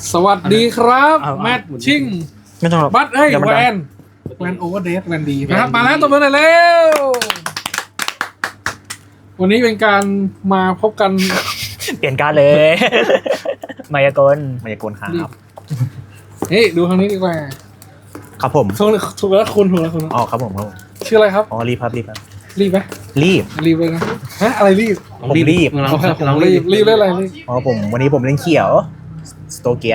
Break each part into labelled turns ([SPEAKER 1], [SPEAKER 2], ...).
[SPEAKER 1] สวัสดีครับ
[SPEAKER 2] เอา
[SPEAKER 1] แมทชิง
[SPEAKER 2] ไม่ต้องหรอก
[SPEAKER 1] บัตเอ้ย
[SPEAKER 2] เดี๋ยวมัน
[SPEAKER 1] แว
[SPEAKER 2] ดัง
[SPEAKER 1] นแวนโอเวอร์เดสแวนดีนะครับมาแล้วตัวเบอร์หน่อยเร็ววันนี้เป็นการมาพบกัน
[SPEAKER 2] เปลี่ยนการดเลย มายากล
[SPEAKER 3] มายากลครับ
[SPEAKER 1] เฮ้ยดูทางนี้ดีกว่า
[SPEAKER 3] ครับผม
[SPEAKER 1] ถูกแล้วคุณถูกแล้วคุณ
[SPEAKER 3] อ๋อครับผมครับผม
[SPEAKER 1] ชื่ออะไรครับ
[SPEAKER 3] อ๋อรีบครับรีบครับ
[SPEAKER 1] รีบไหม
[SPEAKER 3] รีบ
[SPEAKER 1] รีบเลยนะฮะอะไรรีบ
[SPEAKER 3] ผมรีบ
[SPEAKER 1] โอเคผมรีบเล่นอะไรรีบ
[SPEAKER 3] อ๋อผมวันนี้ผมเล่นเขียวสโตเกีย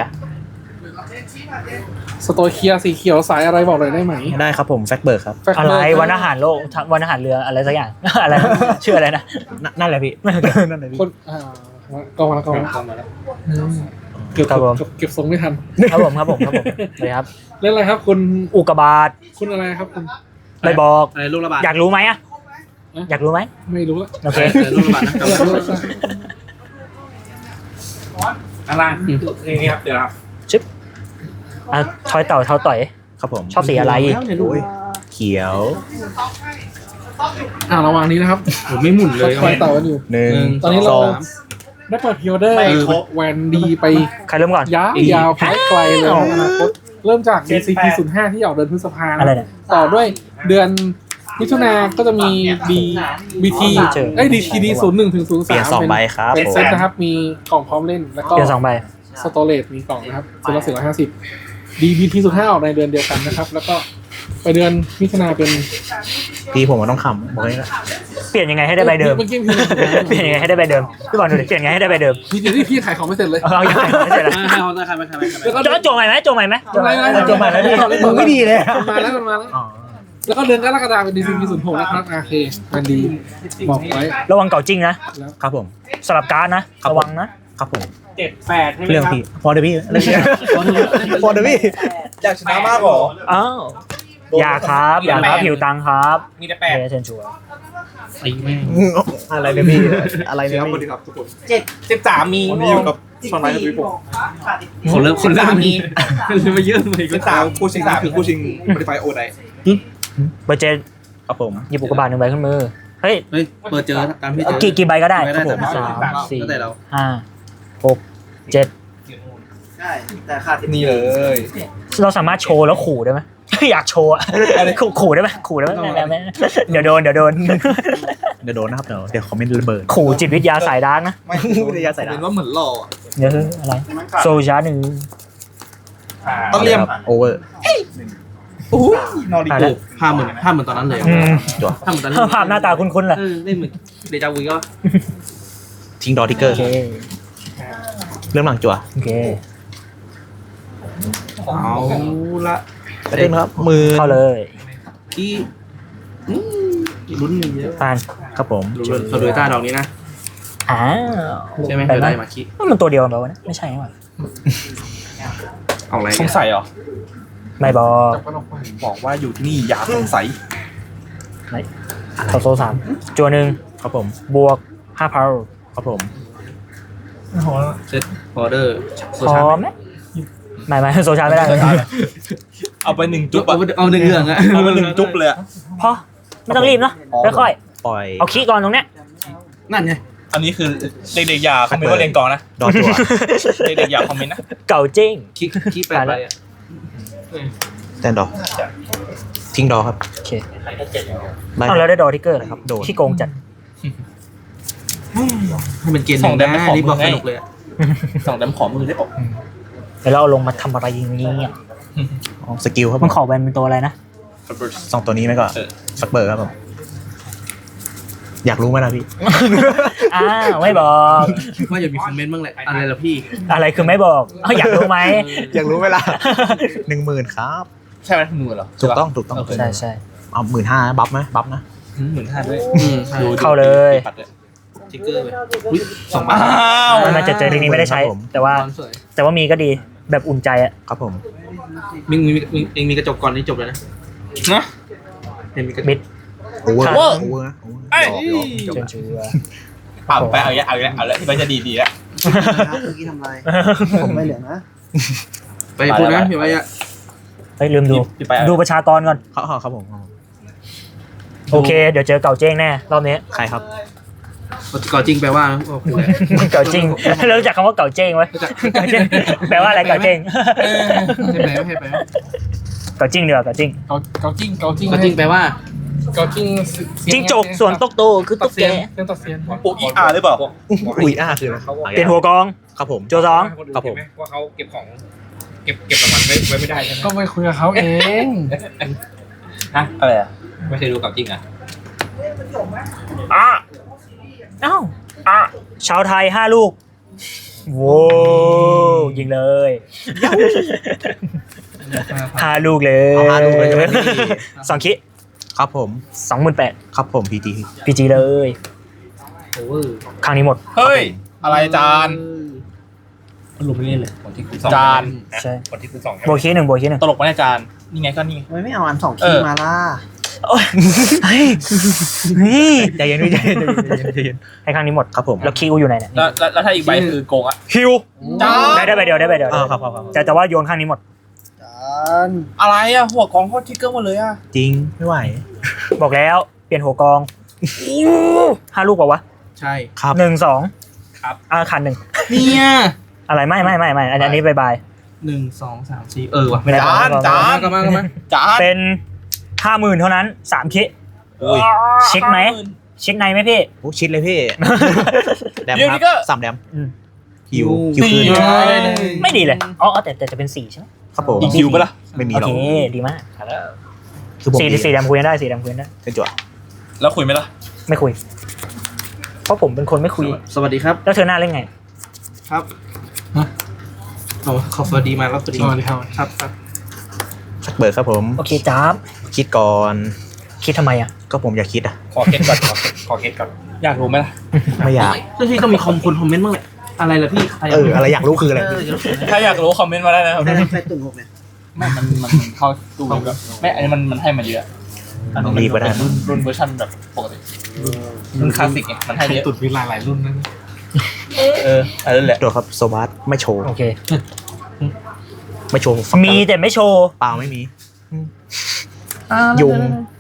[SPEAKER 1] สโตเคียสีเขียวสายอะไรบอกหน่อยได้ไหม
[SPEAKER 3] ได้ครับผมแฟกเบิร์กครับ
[SPEAKER 1] แฟกเบ
[SPEAKER 2] อะไร
[SPEAKER 1] ร์ก
[SPEAKER 2] วันอาหารโลกวันอาหารเรืออะไรสักอย่าง อะไรนะชื่ออะไรนะ
[SPEAKER 3] นั่นแหละพี่นั่นแหละพี่
[SPEAKER 1] คนกองมาแล้วกองมาแล้วเก็บ
[SPEAKER 2] ครับผม
[SPEAKER 1] เก็บทรงไม่ทัน
[SPEAKER 2] ครับผมเลยครับ
[SPEAKER 1] เล่นอะไรครับคุณ
[SPEAKER 2] อุกกาบาต
[SPEAKER 1] คุณอะไรครับคุณ
[SPEAKER 2] ไม่บอก
[SPEAKER 4] อะไรลูกระบาด
[SPEAKER 2] อยากรู้ไหมอะอยากรู้ไหม
[SPEAKER 1] ไม่รู้ละ
[SPEAKER 2] โอเค
[SPEAKER 4] ลูกระบาดนะ
[SPEAKER 1] อยากรู้ละ
[SPEAKER 4] อะไรนี่ครับเดี๋ยวครับ
[SPEAKER 2] ชิปอ่ะทอยเต่าเท้าต่อย
[SPEAKER 3] ครับผม
[SPEAKER 2] ชอบสีอะไร
[SPEAKER 3] โอ้ยเขียว
[SPEAKER 1] ระหว่างนี้นะครับ
[SPEAKER 4] ผมไม่หมุนเลย
[SPEAKER 1] คอยเต่ากันอยู่
[SPEAKER 3] หนึ่ง
[SPEAKER 1] ตอนนี้เรา
[SPEAKER 3] สอง
[SPEAKER 1] ได้เปิดพิออเดอร์แวนดีไป
[SPEAKER 2] ใครเริ่มก่อน
[SPEAKER 1] ยาวไกลเลยในอนาคตเริ่มจาก DCP 05ที่ออกเดือนพฤษภา
[SPEAKER 2] อะไรเนี่ย
[SPEAKER 1] ต่อด้วยเดือนมิถุนาก็จะมี BT เอ้ย DTD 01ถึง
[SPEAKER 3] เปลี่ยน
[SPEAKER 1] 03
[SPEAKER 3] 2ใบครับ
[SPEAKER 1] เป็น
[SPEAKER 3] ผม
[SPEAKER 1] เซตนะครับ มีกล่องพร้อมเล่น แล้วก็
[SPEAKER 2] เปลี่ยน2ใบ
[SPEAKER 1] สโตเรจมีกล่องนะครับซื้อละ450 DBT 05ออกในเดือนเดียวกันนะครับ แล้วก็ไปเดือนมิถุนาเป็น
[SPEAKER 3] พี่ผมมันต้องขำบอกเลยนะ
[SPEAKER 2] เปลี่ยนยังไงให้ได้ใบเดิม
[SPEAKER 1] เมื่อกี้
[SPEAKER 2] เปลี่ยนยังไงให้ได้ใบเดิมพี่บอลดูดิเปลี่ยนยังไงให้ได้ใบเดิม
[SPEAKER 1] พี่ที่พี่ขายของไม่เสร็จเลย
[SPEAKER 2] เอาอย่างไรไม่ใช่ละ
[SPEAKER 4] ให้เขาใครไม่ใครไม่ใคร
[SPEAKER 1] แล้วก็
[SPEAKER 2] จะโจใหม่ไหมโจใหม่ไหม
[SPEAKER 1] โจใหม่ไหม
[SPEAKER 2] โจใหม่ไหมพี่
[SPEAKER 3] มึงไม่ดีเลย
[SPEAKER 1] มันมาแล้วมันมาแล้ว
[SPEAKER 3] อ๋อ
[SPEAKER 1] แล้วก็เดือนกรกฎาคมเป็น DCP 06นะครับโอเคมันดีบอกไว้
[SPEAKER 2] ระวังเก่าจริงนะครับ
[SPEAKER 3] ผม
[SPEAKER 2] สลับการ์ดนะ
[SPEAKER 3] ครับ
[SPEAKER 2] ระวังนะครับ
[SPEAKER 3] ผม
[SPEAKER 4] 7-8ใช่ไหม
[SPEAKER 3] เรื่อง
[SPEAKER 4] ครับ
[SPEAKER 3] พี่พอเดี๋ยวพี่เรื่องพี่พอเดี๋ยวพี่
[SPEAKER 4] อยากชนะมากหรอ
[SPEAKER 2] อ้าวอย่าครับหิวตังค์ครับ
[SPEAKER 4] มีแต่
[SPEAKER 2] เอเซนชัวร์
[SPEAKER 4] ตีแม่ง
[SPEAKER 3] อะไรเนี่ยพี่อะไรเนี่ยพี่
[SPEAKER 4] 13มีวันนี้อยู่กับชอนไลท์ทวีผมคนเริ่มมีเริ่มมาเยอะเลยก็ตาม
[SPEAKER 5] คู่ชิงคือคู่ชิงบริไฟโอได
[SPEAKER 2] เบอร์เจน
[SPEAKER 3] ครับผม
[SPEAKER 2] หยิบอุกกาบาต1ใบขึ้นมือเฮ้ย
[SPEAKER 4] เฮ้ยเปิดเจอตามที่เจอ
[SPEAKER 2] กี่ใบก็ได้
[SPEAKER 4] ไม่ได้
[SPEAKER 2] ครับผม
[SPEAKER 4] แต่
[SPEAKER 2] 3 4
[SPEAKER 4] แล้วแต่เรา
[SPEAKER 2] 5 6 7
[SPEAKER 5] นี่เลย
[SPEAKER 2] เราสามารถโชว์แล้วขู่ได้ไหม อยากโชว์อะขู่ได้ไหมขู่ได้ไหมไม่เดี๋ยวโดน
[SPEAKER 3] เดี๋ยวโดนนะครับเดี๋ยวคอมเมนต์ระเบิด
[SPEAKER 2] ขู่จิตวิทยาสายดาร์กนะ
[SPEAKER 5] ไม่
[SPEAKER 3] วิทยาศาสตร์
[SPEAKER 5] เป็นว่าเหมือนหล่อ
[SPEAKER 2] เดี๋ยวอะไรโซชาหนึ่ง
[SPEAKER 5] ต้องเรียม
[SPEAKER 3] โอเวอร์
[SPEAKER 5] นอริ
[SPEAKER 2] อ่ะ
[SPEAKER 5] โก
[SPEAKER 2] แล้ว
[SPEAKER 4] ภาพเหมือนตอนนั้นเลย
[SPEAKER 3] จั่ว
[SPEAKER 4] ภาพเหมือนตอนนั้น
[SPEAKER 2] ภาพหน้าตาคุ้นๆแหละ
[SPEAKER 4] เล่นเหมือนเดจาวูก็
[SPEAKER 3] ทิ้งดอทิกเกอ
[SPEAKER 2] โอ
[SPEAKER 3] ร์
[SPEAKER 2] เค
[SPEAKER 3] เริ่มหลังจั่ว
[SPEAKER 2] โอเค
[SPEAKER 4] เอาละ
[SPEAKER 3] กระเด้งนะครับมือ
[SPEAKER 2] เข้าเลย
[SPEAKER 4] ที่ลุ้นหนึ่งเยอะ
[SPEAKER 2] ผ่าน
[SPEAKER 3] ครับผม
[SPEAKER 4] ลุ้นโซโดยต้าดอกนี้นะ
[SPEAKER 2] อ้าว
[SPEAKER 4] ใช่ไหม
[SPEAKER 2] แต่
[SPEAKER 4] เดี๋ยว
[SPEAKER 2] นั้
[SPEAKER 4] ได้
[SPEAKER 2] น
[SPEAKER 4] มาคิ
[SPEAKER 2] มันตัวเดียวกันแบบว่าไม่ใช่หว่า
[SPEAKER 4] เอาอะไร
[SPEAKER 5] สงสัยเหรอ
[SPEAKER 2] ไม่บอก
[SPEAKER 5] บอกว่าอยู่ที่นี่อย่าสงสัย
[SPEAKER 2] เขาโซ3จัวหนึ่ง
[SPEAKER 3] ครับผม
[SPEAKER 2] บวก5 power
[SPEAKER 3] ครับผม
[SPEAKER 4] เซตออเดอร์โซ
[SPEAKER 2] พ
[SPEAKER 4] ชา
[SPEAKER 2] อไหมไม่โซชาไม่ได้
[SPEAKER 5] เอาไปหนึ่ง
[SPEAKER 4] จุ
[SPEAKER 5] จุ๊
[SPEAKER 4] บบ เอาหนึ่งเรื่องอะ
[SPEAKER 5] เอาไปหนึ่งจุ๊บเลย
[SPEAKER 2] พอไม่ต้องรีบเนาะค่อย
[SPEAKER 3] ปล่อย
[SPEAKER 2] ๆเอาขี้ก่อนตรงเนี้ย
[SPEAKER 4] นั่นไง
[SPEAKER 5] อันนี้คือเด็กๆอย่าคอมเมนต์ว่าเรียนกองนะ
[SPEAKER 3] ดอจั่ว
[SPEAKER 5] เด็กๆอย่าคอมเมนต์นะ
[SPEAKER 2] เก่าจริง
[SPEAKER 4] คิแปดไปอ่ะ
[SPEAKER 3] แตนดอทิ้งดอครับ
[SPEAKER 2] โอเค
[SPEAKER 3] ไล่
[SPEAKER 2] เอาแล้วได้ดอทิกเกอร์
[SPEAKER 3] ครับโดน
[SPEAKER 2] ที่โกงจัด
[SPEAKER 4] ให้เป็นเกณฑ์หนึ่งนะรีบบอกสนุกเลยอะ
[SPEAKER 5] ส่งดำขอมือได้ปะ
[SPEAKER 2] เดี๋ยวเราเอาลงมาทำอะไรอย่างนี้อ่ะ
[SPEAKER 3] อ๋อสกิลครับ
[SPEAKER 2] มันขอแบนเป็นตัวอะไรนะ
[SPEAKER 3] สองตัวนี้ไหมก็สักเบอร์ครับผมอยากรู้ไหมล่ะพี่
[SPEAKER 2] อ้าวไม่บอก
[SPEAKER 4] ว่าอย่ามีคอมเมนต์บ้างแหละอะไรล่ะพี่
[SPEAKER 2] อะไรคือไม่บอกเอาอยากรู้ไหม
[SPEAKER 3] อยากรู้ไหมล่ะ 10,000ครับ
[SPEAKER 5] ใช่ไหมมือเหรอ
[SPEAKER 3] ถูกต้องถูกต้อง
[SPEAKER 2] ใช่ใช่
[SPEAKER 3] เอา15,000บัฟไหมบัฟนะ
[SPEAKER 5] 15,000ด้วย
[SPEAKER 2] เข้าเลย
[SPEAKER 4] ทิกเกอร์ไปอุ๊ย2 บาท
[SPEAKER 5] อ้าว
[SPEAKER 2] มันจะเจอทีนี้ไม่ได้ใช้ แต่ว่า
[SPEAKER 4] ความสวย
[SPEAKER 2] แต่ว่ามีก็ดีแบบอุ่นใจอ่ะ
[SPEAKER 3] ครับผม
[SPEAKER 4] เองมีกระจกก่อนนี่จบเลยนะ
[SPEAKER 5] นะ
[SPEAKER 4] เองมีกระจ
[SPEAKER 2] มิ
[SPEAKER 4] ก
[SPEAKER 2] ด
[SPEAKER 3] โอเวอร์
[SPEAKER 2] ครับ
[SPEAKER 3] โอเวอร์นะ
[SPEAKER 5] เอ้ย
[SPEAKER 3] จบ
[SPEAKER 2] เชิญเชื่อ
[SPEAKER 5] เอาไปเอาแล้วที่มันจะดีแล้ว
[SPEAKER 6] ผมไม่เหลือนะ
[SPEAKER 4] ไปพูดนะพี่ไว้อะ
[SPEAKER 2] เฮ้ยลืมดู
[SPEAKER 5] พี่ไป
[SPEAKER 2] ดูประชากรก่อน
[SPEAKER 3] ครับผม
[SPEAKER 2] โอเค เดี๋ยวเจอเก่าเจ้งแน่รอบนี้
[SPEAKER 3] ใครครับ
[SPEAKER 4] ไปเก่าจริงแปลว่าโอ้โห
[SPEAKER 2] เก่าจริงแล้วรู้จักคำว่าเก่าเจ้งไหมเก่าเจ้งแปลว่าอะไรเก่าเจ้ง
[SPEAKER 1] ใช่ไหมใช่ไหม
[SPEAKER 2] เก่าจริงเดี๋ยวเก่าจริง
[SPEAKER 1] เกาจิ้งเกาจิ้ง
[SPEAKER 4] เก่าจริงแปลว่า
[SPEAKER 1] เกาจิ้ง
[SPEAKER 2] จิ้งจกสวนตกโตคือตุ๊ก
[SPEAKER 1] เซี
[SPEAKER 2] แก
[SPEAKER 1] ยนเรื่องตัดเซียน
[SPEAKER 5] ปุ๊กอีอาร์หรือเปล่า
[SPEAKER 3] อุ้ยคืออะไร
[SPEAKER 2] เปลี่ยนหัวกอง
[SPEAKER 3] ครับผม
[SPEAKER 2] โจสอง
[SPEAKER 3] ครับผม
[SPEAKER 4] ว่าเขาเก็บของเก็บรางวัลไว้ไม่ได้ใช่ไหม
[SPEAKER 1] ก็ไปคุยกับเขาเอง
[SPEAKER 5] ฮะอะไรอ่ะ
[SPEAKER 4] ไม่เคยดูเก่าจริงอ่ะ
[SPEAKER 2] อ่ะเอ้าอ่ะชาวไทย5 ลูกโว้วยิงเลย5 ลูกเลย
[SPEAKER 3] เอา5 ลูกเลยใช่ไหม
[SPEAKER 2] 2 คิ
[SPEAKER 3] ครับผม
[SPEAKER 2] 28,000
[SPEAKER 3] ครับผมพีจี
[SPEAKER 2] PG เลย
[SPEAKER 4] โอเวอร์
[SPEAKER 2] ครั้งนี้หมด
[SPEAKER 5] เฮ้ยอะไรจาน
[SPEAKER 4] รวมไม่เล่นเลยคนที่คุณสอง
[SPEAKER 5] จาน
[SPEAKER 2] ใช่
[SPEAKER 4] คนที่คุณสอง
[SPEAKER 2] โบกี้หนึ่งโบกี้หนึ่ง
[SPEAKER 5] ตลกไหมอาจารย์นี่ไงก็นี่
[SPEAKER 6] ทำไมไม่เอาอัน2 คีย์มาล่ะ
[SPEAKER 2] โอ้ยเฮ้ยนี่
[SPEAKER 3] ใจเย็นพี่ใจเย็นใจเย็น
[SPEAKER 2] ให้ครั้งนี้หมด
[SPEAKER 3] ครับผม
[SPEAKER 2] แล้วคิวอยู่ไหนเนี่ย
[SPEAKER 5] แล้วถ้าอีกใบคือโกงอ่ะ
[SPEAKER 2] คิว
[SPEAKER 5] จาน
[SPEAKER 2] ได้ใบเดียวได้ใบเดียว
[SPEAKER 3] ครับครับ
[SPEAKER 2] แต่ว่าโยนข้างนี้หมด
[SPEAKER 6] จาน
[SPEAKER 5] อะไรอ่ะหัวกองโคตรทิกเกอร์หมดเลยอ่ะ
[SPEAKER 3] จริงไม่ไหว
[SPEAKER 2] บอกแล้วเปลี่ยนหัวกอง5 ลูกเปล่าวะ
[SPEAKER 4] ใช่
[SPEAKER 3] ครับ
[SPEAKER 2] 1 2
[SPEAKER 5] ครับ
[SPEAKER 2] ขันหนึ่ง
[SPEAKER 4] เนี่ย
[SPEAKER 2] อะไรไม่อันนี้บาย
[SPEAKER 4] 1 2 3 4ว่ะ
[SPEAKER 2] ไม่ได้
[SPEAKER 5] จาน
[SPEAKER 4] ก็มา
[SPEAKER 5] จาน
[SPEAKER 2] เป็น 50,000 เท่านั้น3 คิ
[SPEAKER 5] อุ้ย
[SPEAKER 2] เช็คไหม เช็คในไหมพี่
[SPEAKER 3] โอ้ชิดเลยพี่แดม
[SPEAKER 5] เดี๋ยว
[SPEAKER 3] ค
[SPEAKER 5] นี้
[SPEAKER 3] รับ
[SPEAKER 5] ก็
[SPEAKER 3] 3 แดม
[SPEAKER 2] อืม
[SPEAKER 3] คิวคืน
[SPEAKER 5] สี่
[SPEAKER 2] ไม่ดีเลยอ๋อแต่จะเป็น4ใช่ไหม
[SPEAKER 3] ครับผม
[SPEAKER 5] อีกคิวปะล่ะ
[SPEAKER 3] ไม่มี
[SPEAKER 2] โอ
[SPEAKER 3] หรอก
[SPEAKER 2] เคดีมาก
[SPEAKER 3] คือผม
[SPEAKER 2] 4ดำคุยกันได้4ดำคุยกันได้
[SPEAKER 3] เป็นจั่ว
[SPEAKER 5] แล้วคุยไหมล่ะ
[SPEAKER 2] ไม่คุย เพราะผมเป็นคนไม่คุย
[SPEAKER 4] สวัสดีครับ
[SPEAKER 2] แล้วเธอหน้าเล่นไง
[SPEAKER 4] ครับขอสวัสดีมาแล้วสวัสดี
[SPEAKER 1] สวัสดีครับ
[SPEAKER 4] ครับครับ
[SPEAKER 3] สักเบิร์ครับผม
[SPEAKER 2] โอเคจ้าบ
[SPEAKER 3] คิดก่อน
[SPEAKER 2] คิดทำไมอ่ะ
[SPEAKER 3] ก็ผมอยากคิดอ่ะ
[SPEAKER 5] ขอเก็ตก่อนขอเก็ตก่อนอยากรู้ไหมล่ะ
[SPEAKER 3] ไม่อยาก
[SPEAKER 4] เรื่องที่ต้องมีคอมเมนต์บ้างแหละอะไรล่ะพี่ใคร
[SPEAKER 3] อะไรอยากรู้คืออะไร
[SPEAKER 5] ถ้าอยากรู้คอมเมนต์มาได้นะครับ
[SPEAKER 6] ได้ไฟตุ่น6เนี่ย
[SPEAKER 5] ไม่มันเข้าตู้แบบไม่อันนี้มันให้มาเยอะอันนี้
[SPEAKER 3] รีบก็ได้
[SPEAKER 5] เป็นรุ่นเวอร์ชันแบบปกติรุ่นคลาสสิกไงมันให้เยอะ
[SPEAKER 1] ตุดมีหลายรุ่นนะ
[SPEAKER 5] อันนั้นแหละ
[SPEAKER 3] ตัวครับโซบัสไม่โชว์
[SPEAKER 2] โอเค
[SPEAKER 3] ไม่โชว์ฟัก
[SPEAKER 2] มีแต่ไม่โชว์
[SPEAKER 3] เปล่าไม่มี ยุง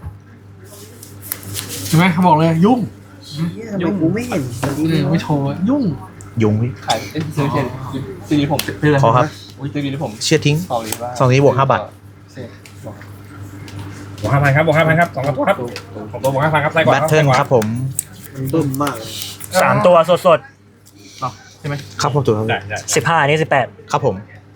[SPEAKER 1] ใช่ไหมเขาบอกเลยยุ่ง
[SPEAKER 6] เชี่ยทำไมกูไม่เห็นวันนี้เลย
[SPEAKER 1] ไม่โชว์ยุ่ง
[SPEAKER 3] ยุงพี่
[SPEAKER 5] ขายซื้อซีดีผม
[SPEAKER 3] ขอครับ
[SPEAKER 5] อุ้ยซีดีผม
[SPEAKER 3] เชื่อทิ้ง
[SPEAKER 5] ขอรีว่า
[SPEAKER 3] ซองนี้บวก5 บาท
[SPEAKER 4] บวก5,000ครับบวก5,000ครับ2 ตัวครับของตัวบวก5,000ครับไล่ก่อน
[SPEAKER 3] แบทเทิลครับผม
[SPEAKER 6] มันบึ้มมากเลย
[SPEAKER 2] 3 ตัวสด
[SPEAKER 3] ครับผมถูกครับ
[SPEAKER 4] ได้ได้
[SPEAKER 2] ๆ15อันนี้18
[SPEAKER 3] ครับผม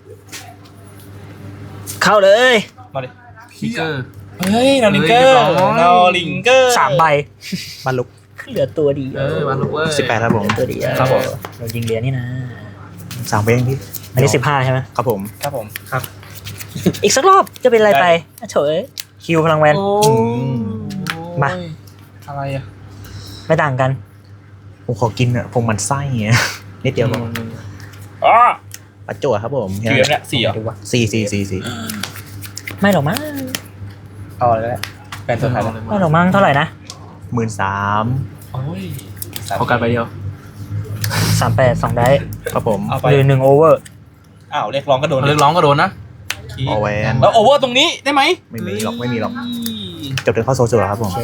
[SPEAKER 2] เข้าเลย
[SPEAKER 5] มาดิ
[SPEAKER 4] คิกเกอร์
[SPEAKER 5] เฮ้ยนอลิงเกอร์นอลิงเกอร์
[SPEAKER 2] 3 ใบ
[SPEAKER 3] บ้านลุก
[SPEAKER 2] เหลือตัวเดียว
[SPEAKER 4] มาลูกเว้ย
[SPEAKER 3] 18ครับผม
[SPEAKER 2] ตัวเดียว
[SPEAKER 5] ครับผม
[SPEAKER 2] เรายิงเหรียญนี่นะ
[SPEAKER 3] 3 เพลงพี่
[SPEAKER 2] อันนี้15ใช่ไหม
[SPEAKER 3] ครับผม
[SPEAKER 5] ครับผม
[SPEAKER 2] อีกสักรอบจะเป็นอะไรไปอ่ะเฉยคิวพลังแวน มา
[SPEAKER 5] อะไรอ่ะ
[SPEAKER 2] ไม่ต่างกัน
[SPEAKER 3] ผมขอกินอ่ะผมมันไส้เงี้ยนิดเดียวพอ
[SPEAKER 5] อ๋อ
[SPEAKER 3] ปัจจั่วครับผม
[SPEAKER 5] กี่เว็บเนี่ย4เหรอ
[SPEAKER 2] ดูวะ
[SPEAKER 3] 4
[SPEAKER 2] ไม่หรอกมั้ง
[SPEAKER 5] เอาอะไรแล้วแฟนตัวไทยแล้ว
[SPEAKER 2] ไม่หรอกมั้งเท่าไหร่นะ
[SPEAKER 3] 13,000
[SPEAKER 5] โอ้ย
[SPEAKER 4] ขอการไปเดียว
[SPEAKER 2] 38 2 ได้
[SPEAKER 3] ครับผม
[SPEAKER 5] เอาไป
[SPEAKER 2] หรือ1 โอเวอร์
[SPEAKER 5] อ้าวเรียกร้องก็โดน
[SPEAKER 4] เรียกร้องก็โดนนะ
[SPEAKER 3] ออแวน
[SPEAKER 5] แล้วโอเวอร์ตรงนี้ได้ไหม
[SPEAKER 3] ไม่มีหรอกจบถึงเข้าโซจั่วครับผ
[SPEAKER 2] โอ
[SPEAKER 3] ม
[SPEAKER 2] เค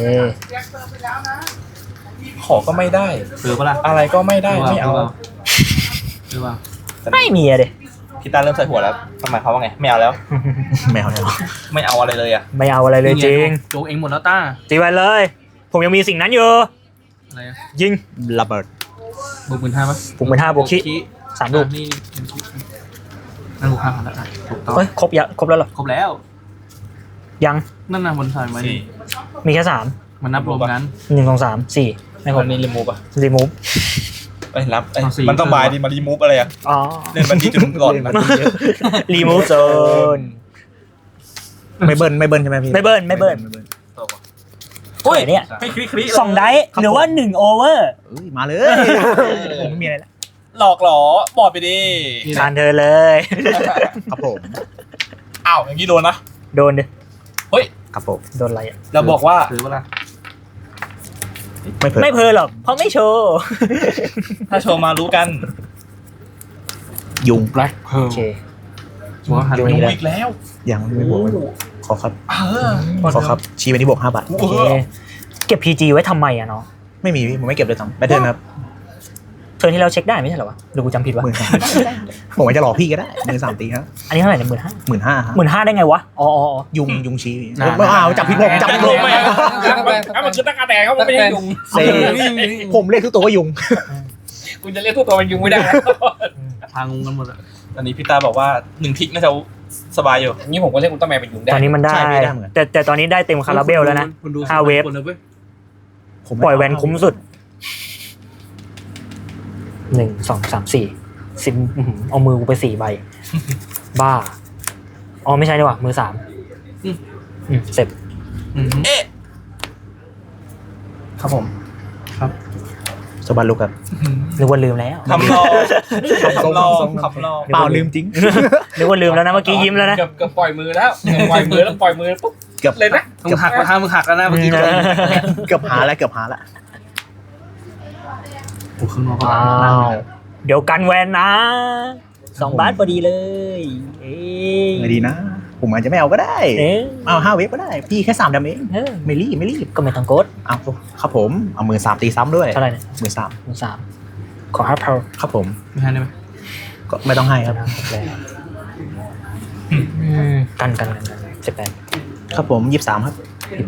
[SPEAKER 5] ขอก็ไม่ได้
[SPEAKER 4] ซื้อปะล่ะ
[SPEAKER 5] อะไรก็ไม่ได้ไม่เอา
[SPEAKER 4] หรือเปล่า
[SPEAKER 2] ไม่มีอะเด็
[SPEAKER 5] พี่ตาเริ่มใส่หัวแล้วทำไมเขาว่าไงไม่เอาแล้ว
[SPEAKER 3] แมวแล้ว
[SPEAKER 5] ไม่เอาอะไรเลยอ่ะ
[SPEAKER 2] ไม่เอาอะไรเลยจริง
[SPEAKER 4] โจกเองหมดแล้วต้า
[SPEAKER 2] ตีไว้เลย ผมยังมีสิ่งนั้นอยู่
[SPEAKER 4] อะไรอะ
[SPEAKER 2] ยิง
[SPEAKER 3] ระเบิด
[SPEAKER 4] บวก15,000ปะ
[SPEAKER 2] ผมเป็น5 บวกคิ3 ลูก
[SPEAKER 4] นี่นั่นบวก5,000แล้วถูกต้อง
[SPEAKER 2] เฮ้ยครบแล้วเหรอ
[SPEAKER 4] ครบแล้ว
[SPEAKER 2] ยัง
[SPEAKER 4] นั่นน่ะบนสายไว้
[SPEAKER 5] สี่
[SPEAKER 2] มีแค่
[SPEAKER 4] มันนับรวมกัน
[SPEAKER 2] 3 1 2 3 4ไม่คร
[SPEAKER 5] วั
[SPEAKER 2] บ
[SPEAKER 5] นนี้รีมูฟอ่ะ
[SPEAKER 2] รีมูฟ
[SPEAKER 5] ไปรับเอ้ย
[SPEAKER 4] เอาสี่
[SPEAKER 5] มันต้องบายดีมารีมูฟอะไรอ่ะ
[SPEAKER 2] อ๋อ
[SPEAKER 5] เล่นมันที่จุดก่อน
[SPEAKER 2] รีมูฟโซน
[SPEAKER 3] ไม่เบิ้ลใช่ไหมพี่
[SPEAKER 2] ไม่เบิ้ล
[SPEAKER 5] อุ้ย
[SPEAKER 2] เนี่ย
[SPEAKER 5] ให้คลิกคลิก
[SPEAKER 2] 2 ได้หรือว่า1 โอเวอร์
[SPEAKER 3] เอ้ยมาเลยผมไม่มีอะไรแล้ว
[SPEAKER 5] หลอกหรอบอกไปดิ
[SPEAKER 2] ทานเธอเลย
[SPEAKER 3] ครับผม
[SPEAKER 5] อ้าวอย่างนี้โดนนะ
[SPEAKER 2] โดนดิ
[SPEAKER 5] เฮ้ย
[SPEAKER 3] ครับผม
[SPEAKER 2] โดนอะไรอ่ะ
[SPEAKER 5] เราบอกว่า
[SPEAKER 4] ซื้อปะล่ะ
[SPEAKER 3] ไม่เพิ่
[SPEAKER 2] ไม่เพอหรอก เพราะไม่โชว์
[SPEAKER 5] ถ้าโชว์มารู้กัน
[SPEAKER 3] ยุง
[SPEAKER 1] แบล็คเพิร์
[SPEAKER 2] โอ
[SPEAKER 1] ล
[SPEAKER 2] เค
[SPEAKER 4] บวก5,000
[SPEAKER 2] อยู่
[SPEAKER 4] ไป
[SPEAKER 2] นี่แหละ
[SPEAKER 5] อีกแล้ว
[SPEAKER 3] ยังไม่บวกขอครับ
[SPEAKER 5] เออ
[SPEAKER 3] ขอครับชี้ไปที่บวก5 บาท
[SPEAKER 2] โอเค เก็บ PG ไว้ทำไมอ่ะเนาะ
[SPEAKER 3] ไม่มีพี่ผมไม่เก็บเลยทั้งแบทเทิลครับ
[SPEAKER 2] เทิร์นที่เราเช็คได้ไม่ใช่เหรอวะหรือกูจำผิดวะ
[SPEAKER 3] ผมว่าจะหลอกพี่ก็ได้มือ3 ตีครับ
[SPEAKER 2] อันนี้เท่าไหร่เนี่ย15,000
[SPEAKER 3] 15,000ครับ
[SPEAKER 2] 15,000ได้ไงวะอ๋อ
[SPEAKER 3] ยุงชี้อ้าวจับผิดผมจับผิดผม
[SPEAKER 4] ถ้ามันคือตะกาแดงเขาไม่ใช่ยุง
[SPEAKER 3] เซ่ผมเรียกทุกตัวว่ายุง
[SPEAKER 4] คุณจะเรียกทุกตัวเป็นยุงไม่ได้
[SPEAKER 5] ทางงกันหมดอะ
[SPEAKER 4] ตอนนี้พี่ตาบอกว่า1 ทิกน่าจะสบายอยู่นี่ผมก็เรียกอุลตร้าแมนเป็นยุงได้
[SPEAKER 2] ตอนนี้มันได้
[SPEAKER 3] ใช่ไม่ได้เหมือนกัน
[SPEAKER 2] แต่ตอนนี้ได้เต็มคาราเบลแล้วนะ
[SPEAKER 5] คุณดู
[SPEAKER 2] 5 เวฟ
[SPEAKER 5] คนเลยเว้ย
[SPEAKER 3] ผม
[SPEAKER 2] ปล่อยแวนคุ้มสุด1 2 3 4 10เอามือกูไป4 ใบ บ้าอ๋อไม่ใช่ดีกว่ามือ3เสร็จ
[SPEAKER 4] ครับผม
[SPEAKER 3] สบัดลูกครับ
[SPEAKER 2] นึกว่าลืมแล้ว
[SPEAKER 4] คำรอคำรอคำรอ
[SPEAKER 3] เปล่าลืมจริง
[SPEAKER 2] นึกว่าลืมแล้วนะเมื่อกี้ยิ้มแล้วนะ
[SPEAKER 4] เกือบปล่อยมือแล้วปล่อยมือแล้วปล่อยมือปุ๊บ
[SPEAKER 3] เกือบ
[SPEAKER 4] เลยนะ
[SPEAKER 5] มึงหักทางมึงหักแล้วนะเมื่อกี้
[SPEAKER 3] เกือบหาแล้วเกือบหาแล้ว
[SPEAKER 5] โอ้ข้างนอก
[SPEAKER 2] อ้าวเดี๋ยวกันแวนนะ2 บาทพอดีเลยเอ้ย
[SPEAKER 3] ไม่ดีนะ ผมอาจจะไม่เอาก็ได้
[SPEAKER 2] เอ๊ะ
[SPEAKER 3] เอา5 เวฟก็ได้ พี่แค่3 ดาเมจ
[SPEAKER 2] เออ
[SPEAKER 3] ไม่รีบไม่รีบ
[SPEAKER 2] ก็ไม่ต้องกด
[SPEAKER 3] เอาครับผมเอามือ3 ตีซ้ำด้วย
[SPEAKER 2] เท่าไหร่เนี่ย
[SPEAKER 3] มือ
[SPEAKER 2] มือ3ขอ5 power
[SPEAKER 3] 3ครับผม
[SPEAKER 5] ไม่ให้ได้ไหม
[SPEAKER 3] ก็ไม่ต้องให้ครับ
[SPEAKER 2] กัน18
[SPEAKER 3] ครับผม23ครับ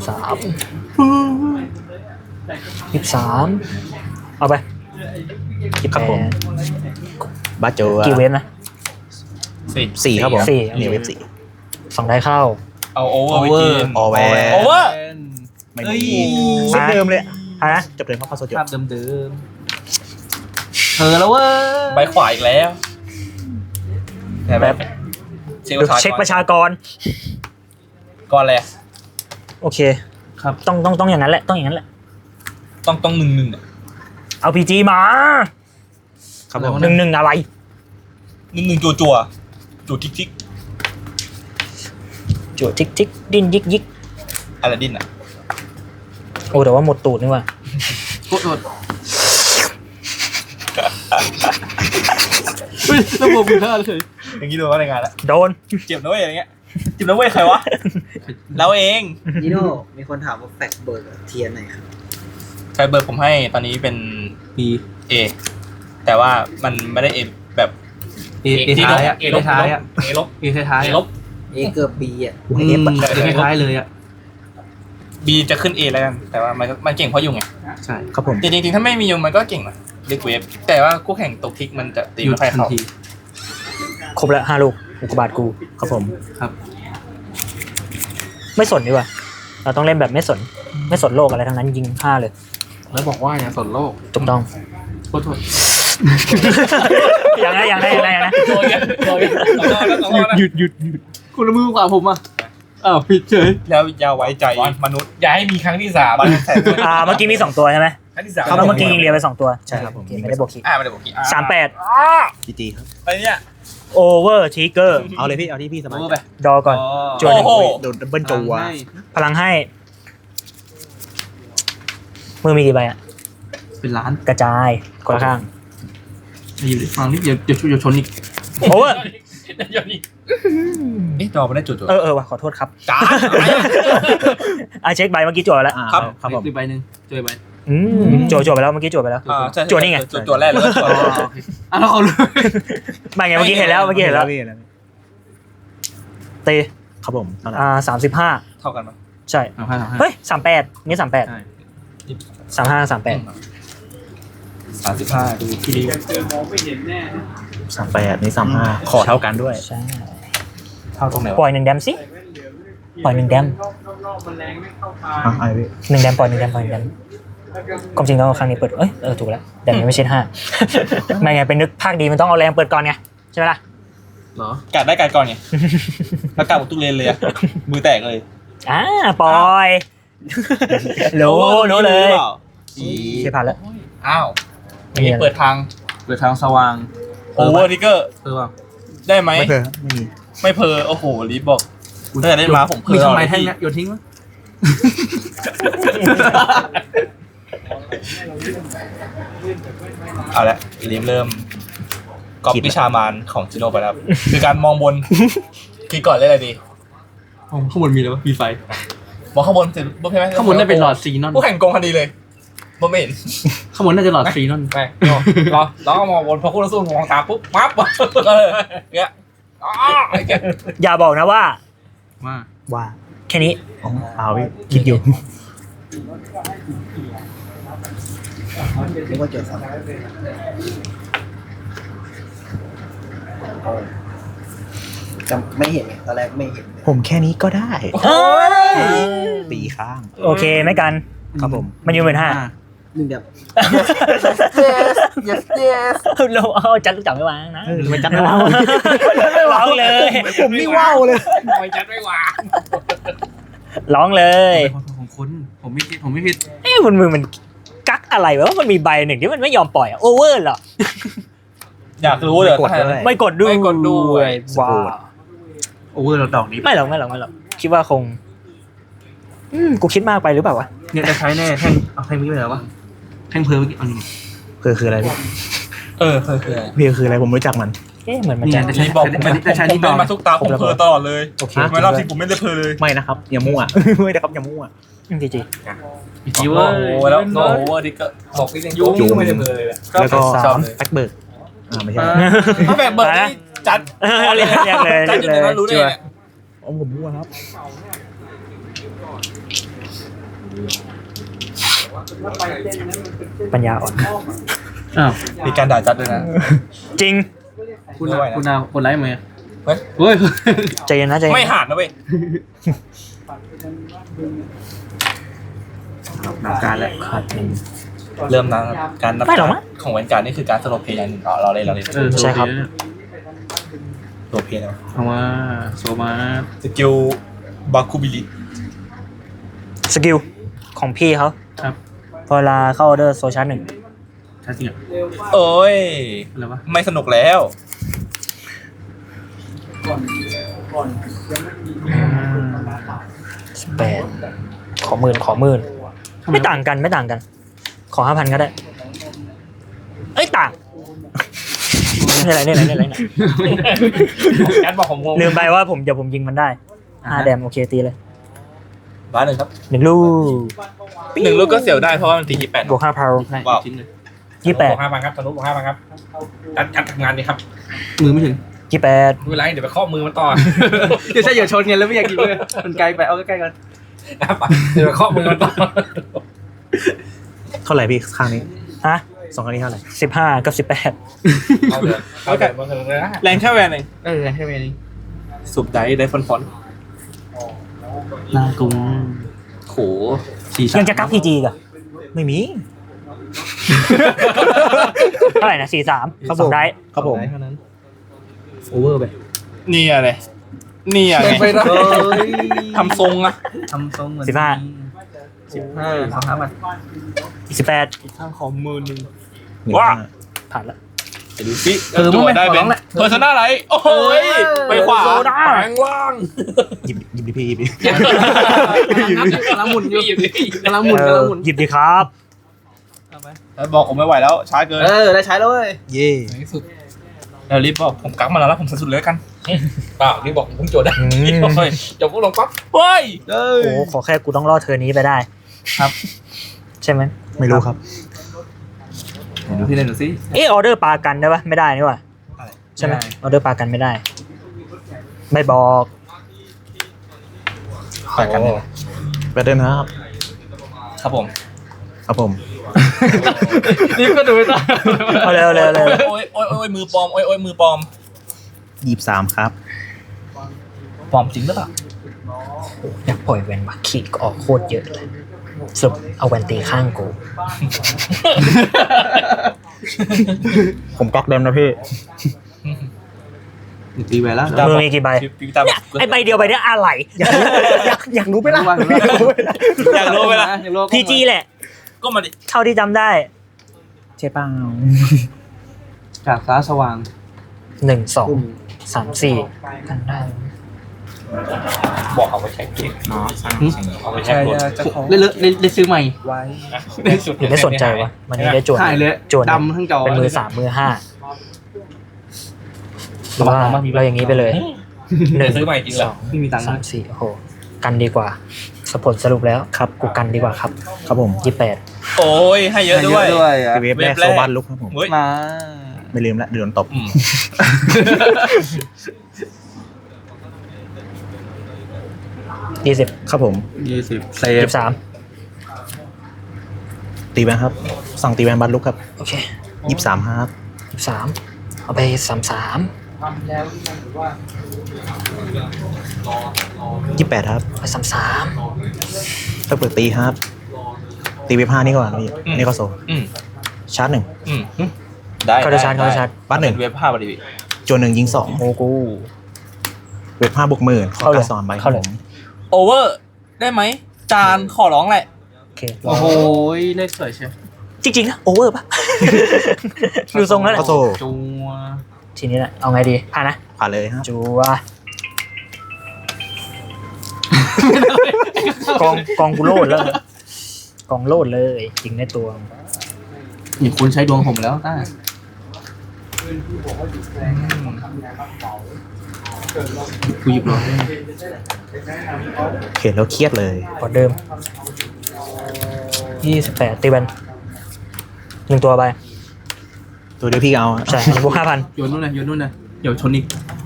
[SPEAKER 2] 23เอาไป
[SPEAKER 3] ครับผม บาโจ
[SPEAKER 2] กี่เวฟนะ
[SPEAKER 3] 4ครับผม
[SPEAKER 2] สี่
[SPEAKER 3] นี่เวฟ
[SPEAKER 2] 2 ได้เข้า
[SPEAKER 4] เอาโอเวอร์ไปกิน
[SPEAKER 3] 4ออแวร์
[SPEAKER 4] โอเวอร์
[SPEAKER 3] ไม่
[SPEAKER 4] เอ้
[SPEAKER 3] มี
[SPEAKER 4] ย
[SPEAKER 3] เส้นเดิมเลย
[SPEAKER 2] ฮะ
[SPEAKER 3] จบเลยเพราะเข้าโซจบ
[SPEAKER 5] ภาพเดิมๆแล้วเว้ย
[SPEAKER 4] ใบขวาอีกแล้วแบบ
[SPEAKER 2] เช็คประชากร
[SPEAKER 4] ก่อนเลย
[SPEAKER 2] โอเคครับต้องอย่างนั้นแหละต้องอย่างนั้นแหละ
[SPEAKER 4] ต้อง1-1อ่ะ
[SPEAKER 2] เอา PG มา
[SPEAKER 3] ครับผม
[SPEAKER 2] 1-1อะไร
[SPEAKER 4] 1-1จั่วจั่วทิก
[SPEAKER 2] จั่วทิกดิ้นยิก
[SPEAKER 4] อลาดินอ่ะ
[SPEAKER 2] โอ้แต่ว่าหมดตูดนี่ว่ะ
[SPEAKER 5] โทษเฮ้ยระบบมือท่าเลย
[SPEAKER 4] อย่างนี้โดนว่าในงานแล้ว
[SPEAKER 2] โดน
[SPEAKER 4] เจ็บนะเว้ยอย่างเงี้ยเจ็บนะเว้ยใครวะเราเอง
[SPEAKER 6] นิโน่มีคนถามว่าแฟกเบิร์กเทียนไหนครับ
[SPEAKER 4] ใช้เบอร์ผมให้ตอนนี้เป็น
[SPEAKER 5] ปี
[SPEAKER 4] A แต่ว่ามันไม่ได้ A แบบ
[SPEAKER 5] เอท้ายอ่ะเอท้ายอ่ะ
[SPEAKER 4] A ลบ
[SPEAKER 5] เอท้าย
[SPEAKER 4] A
[SPEAKER 5] อ่ะ
[SPEAKER 4] ลบ
[SPEAKER 6] เอเกือบบีอ่ะ
[SPEAKER 5] เอท้ายเลยอ่ะ
[SPEAKER 4] B จะขึ้น A แล้วกันแต่ว่ามันเก่งเพราะยุงไง
[SPEAKER 5] ใช่
[SPEAKER 3] ครับผม
[SPEAKER 4] แต่จริงๆถ้าไม่มียุงมันก็เก่งนะเด็กเวฟแต่ว่าคู่แข่งตกทิกมันจะตี
[SPEAKER 5] หยุด
[SPEAKER 4] ไม่ค่อย
[SPEAKER 5] ทัน
[SPEAKER 4] เข้า
[SPEAKER 5] ที
[SPEAKER 2] ครบแล้ว5 ลูกอุกกาบาตกู
[SPEAKER 3] ครับผม
[SPEAKER 5] ครับ
[SPEAKER 2] ไม่สนดีกว่าเราต้องเล่นแบบไม่สนโลกอะไรทั้งนั้นยิง5เลย
[SPEAKER 1] แล้วบอกว่าอย่าสนโลก
[SPEAKER 2] ถูกต้อง
[SPEAKER 5] โทษ
[SPEAKER 2] อย่างนั้น
[SPEAKER 4] โดนเนี่ยโดนเนี่ยสองรอบแล้ว
[SPEAKER 5] หยุดคุณละมือขวาผมอ่ะอ้าวผิดเฉย
[SPEAKER 4] แล้วอย่าไว้ใจมนุษย์อย่าให้มีครั้งที่3
[SPEAKER 2] เมื่อกี้มี2 ตัวใช่ไหม
[SPEAKER 4] ครั้งที่3
[SPEAKER 2] เมื่อกี้ยิงเรียไป2 ตัว
[SPEAKER 3] ใช่ครับผม
[SPEAKER 2] โอเคไม่ได้บวกคิก
[SPEAKER 4] ไม่ได้บอกกี่
[SPEAKER 2] 38
[SPEAKER 3] จีจีครับ
[SPEAKER 4] อะไรเนี่ย
[SPEAKER 2] โอเวอร์ทิกเกอร์
[SPEAKER 3] เอาเลยพี่เอาที่พี่สบาย
[SPEAKER 5] เอา
[SPEAKER 3] ใจ
[SPEAKER 5] ไป
[SPEAKER 2] ดอก่อน จวนหนึ่ง
[SPEAKER 4] โอ้โห
[SPEAKER 3] โดนดับเบิลจัว
[SPEAKER 2] พลังให้ มือมีกี่ใบอ่ะ
[SPEAKER 5] เป็นล้าน
[SPEAKER 2] กระจายคนละข้าง
[SPEAKER 5] อยู่ดิฟังนี่อย่าชนอีก
[SPEAKER 2] โอเวอร์
[SPEAKER 4] นี่จอไม่ได้จุด
[SPEAKER 2] เออว่ะขอโทษครับ
[SPEAKER 4] จ้า
[SPEAKER 2] เช็คใบเมื่อกี้จั่วแล้ว
[SPEAKER 3] ครับผม
[SPEAKER 5] อีกใบหนึ่งเจอใบ
[SPEAKER 2] จั่วไปแล้วเมื่อกี้จั่วไปแล้ว จุดนี่ไง
[SPEAKER 4] จุดแรกเลย
[SPEAKER 5] แล้วเขารู้
[SPEAKER 2] ไม่ไงเมื่อกี้เห็นแล้วเตะ
[SPEAKER 3] ครับผมเท่าไหร่
[SPEAKER 2] 35
[SPEAKER 4] เท่ากันมั้ย
[SPEAKER 2] ใช่เฮ้ย38นี่38 35 38
[SPEAKER 4] 35ดูที่ริ้ว
[SPEAKER 3] 38นี่35ขอเท่ากันด้วย
[SPEAKER 2] ใช่
[SPEAKER 4] เท่าตรงไหน
[SPEAKER 2] ปล่อย1 แดมสิปล่อย1 แดม
[SPEAKER 3] ไอ้พี่
[SPEAKER 2] 1 แดมปล่อย1 แดมความจริงแล้วครั้งนี้เปิดถูกแล้วแดมยังไม่ใช่5ไม่ไงเป็นนึกภาคดีมันต้องเอาแรงเปิดก่อนไงใช่ไหมล่ะ
[SPEAKER 5] เหรอ
[SPEAKER 4] กัดได้กัดก่อนไงแล้วกัดหมดทุกเลนเลยมือแตกเลย
[SPEAKER 2] ปล่อยรู้เลยใช่ผ่านแล้ว
[SPEAKER 4] อ้าวอย่างนี้เปิดทาง
[SPEAKER 5] เปิดทางสว่าง
[SPEAKER 4] โอเวอร์ทิกเกอร์
[SPEAKER 5] ว่า
[SPEAKER 4] ได้ไหม
[SPEAKER 3] ไม่เคยไม่มี
[SPEAKER 4] ไม่เพอโอ้โหรีบบอกตั้งแต่ได้มาผมเพอ
[SPEAKER 5] มีทำไมแท่งเนี้ยโยนทิ้งมั้ย
[SPEAKER 4] เอาละรีบเริ่มก๊อปวิชามารของจิโน่ไปแล้วคือการมองบนคิดก่อนเล่นอะไรดี
[SPEAKER 5] ข้างบนมีอะไรวะมีไฟ
[SPEAKER 4] มองข้างบนเสร็จปุ๊บใช่ไหม
[SPEAKER 5] ข้างบนได้เป็นหลอดซีนอน
[SPEAKER 4] ผู้แข่งโกงคดีเลยไม่เห็น
[SPEAKER 5] ข้างบนน่าจะหลอดฟรีนั่น
[SPEAKER 4] ไปรอแล้วก็มองบนพอคู่ต่อสู้มองตามปุ๊บปั๊บเงี้ยเงี้ย
[SPEAKER 2] อย่าบอกนะว่า
[SPEAKER 5] ว่า
[SPEAKER 2] ว่าแค่นี้
[SPEAKER 3] อ๋อเปล่าพี่คิดอยู่
[SPEAKER 6] นึกว่าเจอซ้ำจำไม่เห็นไงตอนแรกไม่เห็น
[SPEAKER 3] ผมแค่นี้ก็ได้
[SPEAKER 2] เอ้ย
[SPEAKER 3] ตีข้าง
[SPEAKER 2] โอเคไม่กัน
[SPEAKER 3] ครับผม
[SPEAKER 2] มันอยู่15,000
[SPEAKER 6] หนึ่งเดียว
[SPEAKER 2] เราเอาจัดจับไม่วางนะ
[SPEAKER 3] ไม่จัดไม่ว้าว
[SPEAKER 2] ไม่วางเลย
[SPEAKER 3] ผมนี่ว้าวเลย
[SPEAKER 4] ไม่จัดไม่วาง
[SPEAKER 2] ร้องเลย
[SPEAKER 5] ของคุณผมไม่ผิด
[SPEAKER 2] เอ้มันมือมันกักอะไรวะมันมีใบหนึ่งที่มันไม่ยอมปล่อยโอเวอร์เหรอ
[SPEAKER 4] อยากรู้เลย
[SPEAKER 3] กดด้วย
[SPEAKER 2] ไม่กดด้วย
[SPEAKER 4] ไม่กดด้วย
[SPEAKER 2] ว้าว
[SPEAKER 5] โอเวอร์เราดอกนี้
[SPEAKER 2] ไม่หรอกคิดว่าคงกูคิดมากไปหรือเปล่าวะ
[SPEAKER 5] เนี่ยจะใช้แน่แท่งเอาแท่งนี้ไปไหนวะแท่งเพลเมื่อกี้เอานี่
[SPEAKER 3] คืออะไรพี่
[SPEAKER 4] คือ
[SPEAKER 3] พี่คืออะไรผมไม่รู้จักมัน
[SPEAKER 2] เอ๊ะเหมือนมัน
[SPEAKER 5] นี่
[SPEAKER 2] จะ
[SPEAKER 5] จะใช้
[SPEAKER 4] นี่บอกผมเป็นมาทุกตาผมเพลตลอดเลย
[SPEAKER 2] โอเค
[SPEAKER 4] ไม่รอบที่ผมไม่ได้เพลเลย
[SPEAKER 3] ไม่นะครับอย่ามั่ว ไม่ได้ครับอย่ามั่ว
[SPEAKER 2] จริง
[SPEAKER 5] อีกที
[SPEAKER 4] โอ้
[SPEAKER 5] เว่า
[SPEAKER 4] โหแล้วโอ้โหที่ก็บอกที่ยังยุ่งไม่ได้เพลเลย
[SPEAKER 3] แล้วก็
[SPEAKER 4] ชอบเลย
[SPEAKER 3] แบ็คเบิร์กไม่ใช่
[SPEAKER 4] ถ้าแบบเบิร์ดนี่จัด
[SPEAKER 2] เรียกเลย
[SPEAKER 4] จัดอยู่ในนั้นรู้ได้ไง
[SPEAKER 3] อ๋อผมมั่วครับ
[SPEAKER 2] ปัญญาอ่อน
[SPEAKER 5] อ้าว
[SPEAKER 4] มีการด่าจัดด้วยนะ
[SPEAKER 2] จริง
[SPEAKER 5] คุณดาวคนไลฟ์ไหม
[SPEAKER 4] เฮ้ย
[SPEAKER 5] เฮ้ย
[SPEAKER 2] ใจเย็นนะใจเย็น
[SPEAKER 4] ไม่หาดนะเว้ย
[SPEAKER 5] หนักการแล้ว
[SPEAKER 2] ขาดหนึ่ง
[SPEAKER 4] เริ่มนะการนับ
[SPEAKER 2] ไม่หรอกมั้ง
[SPEAKER 4] ของเวนการนี่คือการสโลเพย์อย่างหนึ่งเราเล่น
[SPEAKER 2] ใช่ครับ
[SPEAKER 4] โลเพย์นะ
[SPEAKER 5] เอามาโซมา
[SPEAKER 4] สกิลบาคูบิลิ
[SPEAKER 2] สกิลของพี่เขา
[SPEAKER 5] ครับ
[SPEAKER 2] พอเวลาเข้าออเดอร์โซชาร์หนึ่ง
[SPEAKER 5] ใช่จริงอ่ะ
[SPEAKER 4] โอ้ย
[SPEAKER 5] อะไรวะ
[SPEAKER 4] ไม่สนุกแล้ว
[SPEAKER 2] 8ขอหมื่นไม่ต่างกันขอ 5,000 ก็ได้เอ้ยต่างนี่อะไร
[SPEAKER 4] การบอกผมงง
[SPEAKER 2] ลืมไปว่าเดี๋ยวผมยิงมันได้5 แดมโอเคตีเลย
[SPEAKER 4] บ้านหนึ่งครับ
[SPEAKER 2] 1 ลูก
[SPEAKER 4] 1 ลูกก็เสียวได้เพราะว่ามันตีที่8
[SPEAKER 2] บวก5 พาว
[SPEAKER 5] ใช่
[SPEAKER 4] ว้าว
[SPEAKER 5] ชิ้นเลย
[SPEAKER 4] บวก5,000ครับทะลุบวก5,000ครับจัดทำงานดีครับ
[SPEAKER 5] มือไม่ถึง
[SPEAKER 2] 28
[SPEAKER 4] ไม่เป็นไรเดี๋ยวไปข้อมือมันต่อ
[SPEAKER 5] เดี๋ยวใช่อย่าชนไงแล้วไม่อยากกินเลยมันไกลไปเอาใกล้ๆกัน
[SPEAKER 4] เดี๋ยวไปข้อมือมันต่อ
[SPEAKER 3] เท่าไหร่พี่ข้างนี้
[SPEAKER 2] ฮะ
[SPEAKER 3] สองข้างนี้เท่าไหร่
[SPEAKER 2] 15 กับ 18
[SPEAKER 4] เอาเดี๋ยวเอาแต่มาเถอะนะแรงแค่แวนเอง
[SPEAKER 5] ใช่ไหมนี่
[SPEAKER 4] สุบได้ฟอน
[SPEAKER 5] นางกุ้ง
[SPEAKER 4] โห
[SPEAKER 2] ยังจะกัก PG กัน
[SPEAKER 3] ไม่มี
[SPEAKER 2] เท่าไหร่นะ43
[SPEAKER 3] ครับ
[SPEAKER 2] ส
[SPEAKER 3] ผ
[SPEAKER 2] อง
[SPEAKER 3] ม
[SPEAKER 2] ได้
[SPEAKER 3] ครับผม
[SPEAKER 5] เท่านั้นโอเวอร์ไป
[SPEAKER 4] นี่อะไรนี่อะไรทำทรงอะ
[SPEAKER 5] ทำทรงเหมือน
[SPEAKER 2] 15
[SPEAKER 5] 15 มัน
[SPEAKER 2] 18
[SPEAKER 4] ข้างของมือหนึ่ง
[SPEAKER 3] 15,000
[SPEAKER 4] ว้า
[SPEAKER 2] ผ่านละ
[SPEAKER 4] ไปดูสิตัวได้เป็นเพอร์ซนาไรโอ้ยไปขวาแปลงว่าง
[SPEAKER 3] หยิบดิพี่หยิบดิ
[SPEAKER 5] กำลังหมุนอยู่
[SPEAKER 2] กำลังหมุนหยิบดีครับ
[SPEAKER 4] บอกผมไม่ไหวแล้วช้าเกิน
[SPEAKER 5] ได้ใช้แล้วเว้ย
[SPEAKER 3] เย่
[SPEAKER 4] ในที่สุดแล้วรีบบอกผมกักมาแล้วผมสุดเลยกันเปล่ารีบบอกผมเพิ่งโจทย์ได้จบพวกลงปั๊บเฮ้ย
[SPEAKER 2] โอ้โหขอแค่กูต้องรอดเธอนี้ไปได้
[SPEAKER 4] ครับ
[SPEAKER 2] ใช่ไหม
[SPEAKER 3] ไม่รู้ครับ
[SPEAKER 5] ดูพี่เล่นดูสิ
[SPEAKER 2] ออเดอร์ปลากันได้ปะไม่ได้นี่หว่าใช่ไหมออเดอร์ปลากันไม่ได้ ไม่บอก
[SPEAKER 4] ไปกันเลย
[SPEAKER 3] ไปเดินนะครับ
[SPEAKER 4] ครับผม
[SPEAKER 3] ครับผม
[SPEAKER 5] นี่ก็ดูไม่ได้
[SPEAKER 2] เอาเร็ว
[SPEAKER 4] โอ้ยมือปลอมโอ้ยมือปลอม
[SPEAKER 3] 23ครับ
[SPEAKER 4] ปลอมจริงหรือเปล่า
[SPEAKER 2] อยากปล่อยแวนบักขีดก็ออกโคตรเยอะเลยสรุปเอาแวนตีข้างกู
[SPEAKER 3] ผมก๊อกเดิมนะพี่
[SPEAKER 5] ตีแหวนแล้ว
[SPEAKER 2] มือมีกี่ใบเนี่ยไอใบเดียวใบเนี้ยอะไร
[SPEAKER 3] อยากรู้ไหมล่ะ
[SPEAKER 4] อยากรู้ไหมล่ะ
[SPEAKER 2] พีจีแหละ
[SPEAKER 4] ก็มาดิ
[SPEAKER 2] เท่าที่จำได้
[SPEAKER 3] ใช่เปล่า
[SPEAKER 5] จากฟ้าสว่าง
[SPEAKER 2] 1 2 3 4กันได้
[SPEAKER 4] บอกเอาไปใช้เกมเอาไปใช้กด
[SPEAKER 5] เล่นซื้อใหม่
[SPEAKER 4] ในสุด
[SPEAKER 2] หรือไม่สนใจวะมันนี้ได้จวน
[SPEAKER 5] หายเลย
[SPEAKER 2] จวน
[SPEAKER 5] ดำทั้งจอ
[SPEAKER 2] เป็นมือ3มือ5หรือว่าเราอย่างนี้ไปเลย
[SPEAKER 4] ซื้อใหม่จริงเหรอ
[SPEAKER 5] ไม่มีตังค์
[SPEAKER 2] 3 4โอ้โหกันดีกว่าผลสรุปแล้ว
[SPEAKER 3] ครับ
[SPEAKER 2] กูกันดีกว่าครับ
[SPEAKER 3] ครับผม
[SPEAKER 2] 28
[SPEAKER 4] โอ้ยให้เยอะด้วย
[SPEAKER 5] อ่ะ
[SPEAKER 3] เวฟแรกโซบันลุกครับผม
[SPEAKER 4] เฮ้ย
[SPEAKER 5] มา
[SPEAKER 3] ไม่ลืมละเดือนตบ
[SPEAKER 4] อืม
[SPEAKER 2] 20
[SPEAKER 3] ครับผม
[SPEAKER 5] 20เซฟ
[SPEAKER 2] 23
[SPEAKER 3] ตีแวนครับ สั่งตีแวนบันลุกครับ
[SPEAKER 2] โอเค
[SPEAKER 3] 23ครับ
[SPEAKER 2] 23เอาไป33
[SPEAKER 3] 28ครับ
[SPEAKER 2] ไป33
[SPEAKER 3] ถ้าเปิดตีครับ ตีเวฟ5นี่ก่อนพี่นี่ก็โซ
[SPEAKER 4] อืม
[SPEAKER 3] ชาร์จหนึ่ง
[SPEAKER 4] อืมได้
[SPEAKER 2] เข้าได้ชาร์จเข้าได้ชาร์จ
[SPEAKER 3] บัตหนึ่ง
[SPEAKER 4] เว็บภาพพอดี
[SPEAKER 3] จวนหนึ่งยิงสอง
[SPEAKER 2] โอ้กู
[SPEAKER 3] เวฟ5บวกหมื่นขอ
[SPEAKER 2] เข้าเลย
[SPEAKER 3] การสอนใบค
[SPEAKER 2] เข้า
[SPEAKER 3] รับ
[SPEAKER 2] เลย
[SPEAKER 3] ผม
[SPEAKER 4] โอเวอร์ได้ไหมจานขอร้องแหละ
[SPEAKER 2] โอเค
[SPEAKER 5] โอ้โหเลขสวยเชียว
[SPEAKER 2] จริงๆนะโอเวอร์ปะ ดูทรงแล้วแหละ
[SPEAKER 3] ก็โซ
[SPEAKER 5] จัว
[SPEAKER 2] ทีนี้แหละเอาไงดีผ่านนะ
[SPEAKER 3] ผ่านเลยครับ
[SPEAKER 2] จัวกองกูโลดแล้วกองโลดเลยจริงในตัว
[SPEAKER 5] นี่คุณใช้ดวงผมแล้วต้า กูหยิบหลอด
[SPEAKER 3] เห็นแล้วเครียดเลย
[SPEAKER 2] กดเดิม28ตีแบน1ตัวไป
[SPEAKER 3] ตัวเดียวพี่เอาอะ
[SPEAKER 2] ใช่บวก 5,000
[SPEAKER 5] โยนนู่นนะโยนนู่นนะเดี๋ยวชนอีก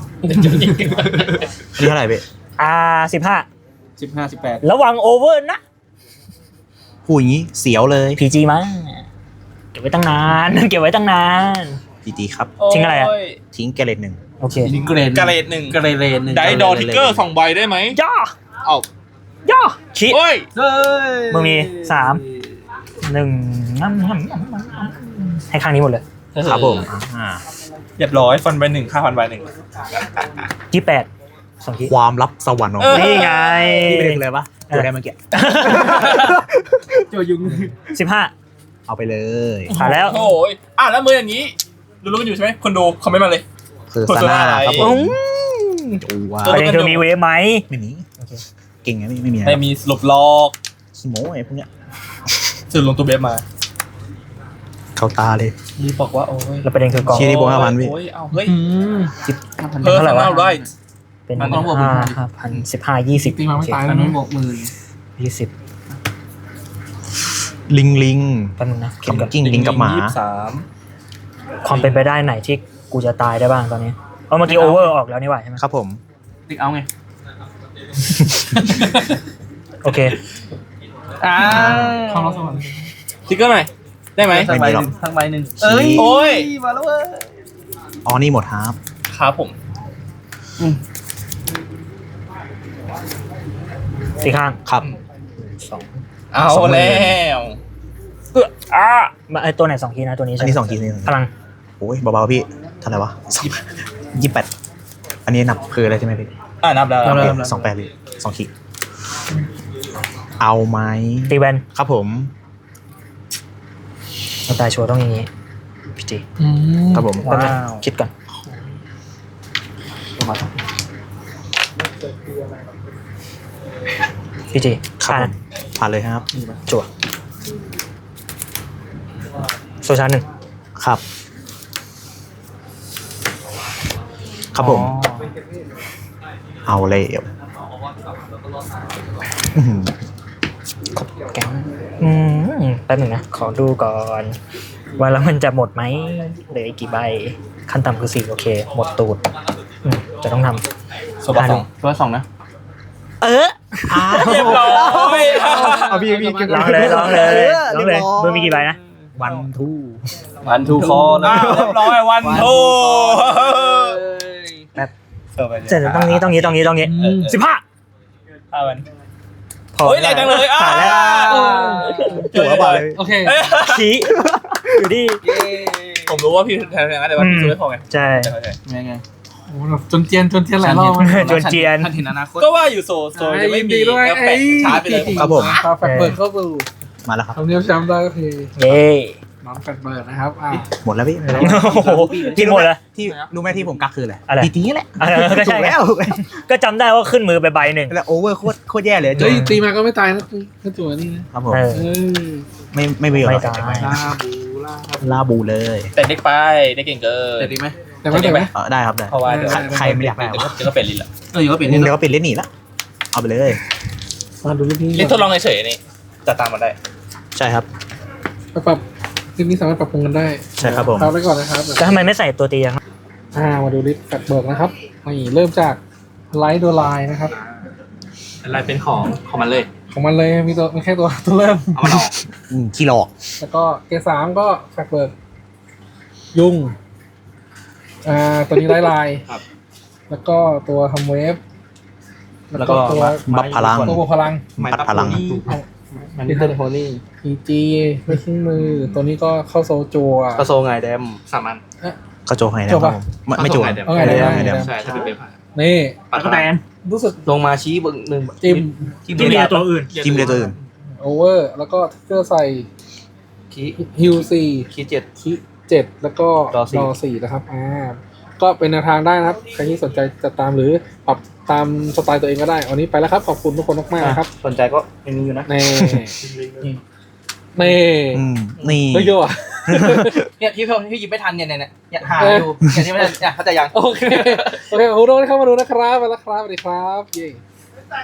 [SPEAKER 3] นี่เท่าไหร่เบ๊
[SPEAKER 2] 15
[SPEAKER 5] 15 18
[SPEAKER 2] ระวังโอเวอร์นะ
[SPEAKER 3] พูดอย่างนี้เสียวเลย
[SPEAKER 2] PG มาเก็บไว้ตั้งนาน เก็บไว้ตั้งนาน
[SPEAKER 3] ดีๆครับ
[SPEAKER 2] ทิ้งอะไรอะ
[SPEAKER 3] ทิ้งแกเลตหนึ่ง
[SPEAKER 2] โอเค
[SPEAKER 5] ลิงเกรน
[SPEAKER 4] กระเรดหนึ่ง
[SPEAKER 5] เกรนหนึ่ง
[SPEAKER 4] ได้ดอทิกเกอร์2 ใบได้ไหม
[SPEAKER 2] ย่อ
[SPEAKER 4] เอา
[SPEAKER 2] ย่อชี้
[SPEAKER 4] เฮ้ย
[SPEAKER 5] เฮ้ย
[SPEAKER 2] มึงมี 1ให้ข้างนี้หมดเลย
[SPEAKER 3] ครับผมอ่า
[SPEAKER 4] เรียบร้อยฟันใบหนึ่งค่าฟันใบหนึ่ง
[SPEAKER 2] 28 2ที
[SPEAKER 3] ความลับสวรรค์ของ
[SPEAKER 2] นี่ไง
[SPEAKER 3] พี่ไปเด็กเลยปะตัวได้เมื่อกี้
[SPEAKER 5] โจยุง
[SPEAKER 2] 15
[SPEAKER 3] เอาไปเลย
[SPEAKER 2] ผ่านแล้ว
[SPEAKER 4] โอ้ยแล้วมืออย่างนี้รู้กันอยู่ใช่ไหมคนดูคอมเมนต์มาเลย
[SPEAKER 3] คือซาน่าครับผม
[SPEAKER 2] อืม
[SPEAKER 3] จูว่า
[SPEAKER 2] ประเด็นคือมีเวฟไหม
[SPEAKER 3] ไม่มีเก่งไงไม่มี
[SPEAKER 4] ไม่มีสรุปลอก
[SPEAKER 3] ขี้โม้ไอ้พวกเนี้ย
[SPEAKER 4] สื่อลงตัวเบฟมา
[SPEAKER 3] เข้าตาเลย
[SPEAKER 4] มีบอกว่าโอ้ย
[SPEAKER 2] แล้วประเด็นคือกอง
[SPEAKER 3] ชี้นี่บวก5,000พี่
[SPEAKER 4] โอ้ยเอาเฮ้ย
[SPEAKER 5] 5,000
[SPEAKER 4] เพอร์
[SPEAKER 2] เท่าไหร่
[SPEAKER 4] ซัน
[SPEAKER 2] วะ
[SPEAKER 4] แนลไร
[SPEAKER 2] เป็น
[SPEAKER 5] มันต้องบวก
[SPEAKER 2] 5,000 15 20
[SPEAKER 1] ตีมาไม่ตาย
[SPEAKER 5] อั
[SPEAKER 1] แล้
[SPEAKER 5] น
[SPEAKER 1] ว
[SPEAKER 5] นู้น
[SPEAKER 1] นะ
[SPEAKER 5] บวกหมื่น
[SPEAKER 2] 20
[SPEAKER 3] ลิง
[SPEAKER 2] แป๊บนึงนะ
[SPEAKER 3] เข็มกิ้งลิงกับหมา
[SPEAKER 4] 23
[SPEAKER 2] ความเป็นไปได้ไหนที่กูจะตายได้บ้างตอนนี้เมื่อกี้โอเวอร์ออกแล้วนี่หว่าใช่ไหม
[SPEAKER 3] ครับผม
[SPEAKER 5] ติ๊กเอาไง
[SPEAKER 2] โอเค
[SPEAKER 1] เข้ารัสวรรค์
[SPEAKER 4] ติ๊กเกอร์หน่อยได้ไหม
[SPEAKER 5] ทั้งใบหนึ่งทั้งใบหนึ่ง
[SPEAKER 3] เอ้ย
[SPEAKER 4] โอ้ย
[SPEAKER 5] มาแล้วเว้ย
[SPEAKER 3] อ๋อนี่หมดครับ
[SPEAKER 4] ครับผม
[SPEAKER 2] ตีข้าง
[SPEAKER 3] ครับ
[SPEAKER 2] 2
[SPEAKER 4] เอาแล้ว
[SPEAKER 2] มาไอตัวไหน2 ทีนะตัวนี้
[SPEAKER 3] อั
[SPEAKER 2] ใช่
[SPEAKER 3] น
[SPEAKER 2] ไหม
[SPEAKER 3] นี้2 ทีนี่
[SPEAKER 2] พลัง
[SPEAKER 3] โอ้ยเบาๆพี่เท่าไหร่วะ28อันนี้นับคืออะไรใช่ไหมพี่
[SPEAKER 4] นับแล้ว
[SPEAKER 3] โอเค28เลย2ขีดเอาไหม
[SPEAKER 2] ตีแวน
[SPEAKER 3] ครับผม
[SPEAKER 2] เราตายชัวร์ต้องอย่างนี้พี่จี
[SPEAKER 3] ครับผม
[SPEAKER 2] แป๊บนึงคิดก่อนพี่จี
[SPEAKER 3] ครับผมผ่านเลยครับ
[SPEAKER 2] จั่วโซชาร์หนึ่ง
[SPEAKER 3] ครับ ครับผม เอาเลยอื้อหือ
[SPEAKER 2] แกงแป๊บหนึ่งนะ ขอดูก่อน ว่าแล้วมันจะหมดไหมเหลืออีกกี่ใบ ขั้นต่ำคือ4โอเค หมดตูดจะต้องทำ
[SPEAKER 4] โซบะสอง
[SPEAKER 5] ตัว2นะ
[SPEAKER 2] เรี
[SPEAKER 4] เรียบร้อย
[SPEAKER 3] เอาพี่
[SPEAKER 2] ร้องเลยร้องเลยร้องเลยมือมีกี่ใบนะ
[SPEAKER 3] วันทู
[SPEAKER 5] วันทูคอเลย
[SPEAKER 4] เรียบร้อยวันโท
[SPEAKER 2] เสร็จแล้วต้องนี้15
[SPEAKER 4] วัน
[SPEAKER 2] พอ
[SPEAKER 4] เฮ้ยแรงจังเลย
[SPEAKER 2] ผ่านแล้ว
[SPEAKER 3] จั่วไปเลย
[SPEAKER 1] โอเค
[SPEAKER 2] ชี้อยู่ที่
[SPEAKER 4] ผมรู้ว่าพี่แทนแต่ว่าพี่ซื้อไม่พอไง
[SPEAKER 2] ใช่
[SPEAKER 5] ไง
[SPEAKER 1] โอ้โหแบบจนเจียนหลายรอบ
[SPEAKER 2] จนเจียน
[SPEAKER 5] ท่านเห็นอนาคต
[SPEAKER 4] ก็ว่าอยู่โซจะไม่มี
[SPEAKER 1] ด้วย
[SPEAKER 4] แล้วแปะชาร์จไปเลย
[SPEAKER 3] ครับผม
[SPEAKER 1] ปาแฟดเบิร์ดเข้าสู่
[SPEAKER 3] มาแล้วครับ
[SPEAKER 1] ทำเนียบแชมป์ได้ก็คือ
[SPEAKER 2] เย้
[SPEAKER 1] น้องแฟดเบิร์ดนะครับ
[SPEAKER 3] หมดแล้วพี่
[SPEAKER 2] โอ้โหกินหมดแล้ว
[SPEAKER 3] ที่รู้ไหมที่ผมกักคืออะไร
[SPEAKER 2] อะไร
[SPEAKER 3] ตีนี้แหละ
[SPEAKER 2] ก็
[SPEAKER 3] ถู
[SPEAKER 2] ใช่
[SPEAKER 3] กแล้ว
[SPEAKER 2] ก็จำได้ว่าขึ้นมือไปใบหนึ่ง
[SPEAKER 3] แล้วโอเวอร์โคตรแย่เลย
[SPEAKER 1] เฮ้ยตีมาก็ไม่ตายนะถ้าจั่วนี่นะครับ
[SPEAKER 3] ผม
[SPEAKER 2] เออ
[SPEAKER 1] เออ
[SPEAKER 3] ไม่มีหร
[SPEAKER 2] ไม่
[SPEAKER 3] อก
[SPEAKER 2] ตาย
[SPEAKER 1] ลาบู
[SPEAKER 3] ลาบูเลย
[SPEAKER 4] แต่เด็กไปได้เก่งเกิน
[SPEAKER 5] แต่ดีไหม
[SPEAKER 1] แต่ไม่ได้ไหม
[SPEAKER 3] ได้ครับได้
[SPEAKER 4] เพราะว่าเดี๋ยว
[SPEAKER 3] ใครไม่อยากได้
[SPEAKER 4] เดี๋ยวก็เป็นลินละ
[SPEAKER 5] เอออยู่ก็เปลี่ยน
[SPEAKER 3] เดี๋
[SPEAKER 5] นี่
[SPEAKER 3] ยวก็ปิดเล่นหนีละเอาไปเลย
[SPEAKER 1] มาดูรูปนี้
[SPEAKER 4] นี่ทดลองเฉยๆนี่จะตามมาได้
[SPEAKER 3] ใช่ครับ
[SPEAKER 1] ไปปรับรูปนี้สามารถปรับปรุงกันได้
[SPEAKER 3] ใช่ครับผม
[SPEAKER 1] ครับไว้ก่อนนะครับ
[SPEAKER 2] แล้วทำไมไม่ใส่ตัวตีอะครับ
[SPEAKER 1] มาดูลิสต์แฟกเบิร์กนะครับนี่เริ่มจากไลท์โดไลน์นะครับ
[SPEAKER 4] อะไรเป็นของมันเลย
[SPEAKER 1] ของมันเลยมีแค่ตัวเริ่ม
[SPEAKER 4] เอามันออก
[SPEAKER 3] ขี้หลอก
[SPEAKER 1] แล้วก็เกรด3ก็แฟกเบิร์กยุงตัวนี้ไล่ลาย
[SPEAKER 4] ครับ
[SPEAKER 1] แล้วก็ตัวทำเวฟ
[SPEAKER 4] แล้วก็
[SPEAKER 1] ตัว
[SPEAKER 3] บัฟพลัง
[SPEAKER 1] ตัวบวกพลัง
[SPEAKER 3] ปัดพลัง
[SPEAKER 5] มันนี่เป็นโฮลี่
[SPEAKER 1] PG ไม่ขึ้นมือ ตัวนี้ก็เข้าโซจัว
[SPEAKER 5] กระโซไงแดม
[SPEAKER 4] สามัน
[SPEAKER 3] ก็โจให้นะ
[SPEAKER 1] โจ
[SPEAKER 3] ครั
[SPEAKER 1] ปะ
[SPEAKER 3] บผมไม่โจ
[SPEAKER 4] เดี๋ยว
[SPEAKER 1] เอาไงได้
[SPEAKER 3] ไม่ได้
[SPEAKER 1] ได้
[SPEAKER 4] ใช่ถ้าเป็นเว็บ
[SPEAKER 1] นี่
[SPEAKER 4] ปัดพลัง
[SPEAKER 1] รู้สึก
[SPEAKER 5] ลงมาชี้เบึงหนึ่ง
[SPEAKER 1] จิ้ม
[SPEAKER 2] ที่มีตัวอื่น
[SPEAKER 3] จิ้มเลยตัวอื่น
[SPEAKER 1] โอเวอร์ แล้วก็ทิกเกอร์ใส่
[SPEAKER 5] คี
[SPEAKER 1] ฮิวสี่
[SPEAKER 5] คีเจ็ด
[SPEAKER 1] คิ7แล้วก็
[SPEAKER 5] ดอสี่
[SPEAKER 1] 4นะครับก็เป็นแนวทางได้นะครับ ใครที่สนใจจะตามหรือปรับตามสไตล์ตัวเองก็ได้ วันนี้ไปแล้วครับ ขอบคุณทุกคนมากๆนะครับ
[SPEAKER 5] สนใจก็ยังมีอยู่นะ
[SPEAKER 1] นี่
[SPEAKER 3] นี่
[SPEAKER 1] เฮ้ยโย่อะ
[SPEAKER 5] เนี่ยที่พี่หยิบไม่ทันเนี่ยหาอยู่เนี่ยที่ไม่ทันเนี่ยเข้าใจยัง
[SPEAKER 1] โอเค ขอบคุณทุกคนที่เข้ามาดูนะครับ ไปแล้วครับ สวัสดีครับเย้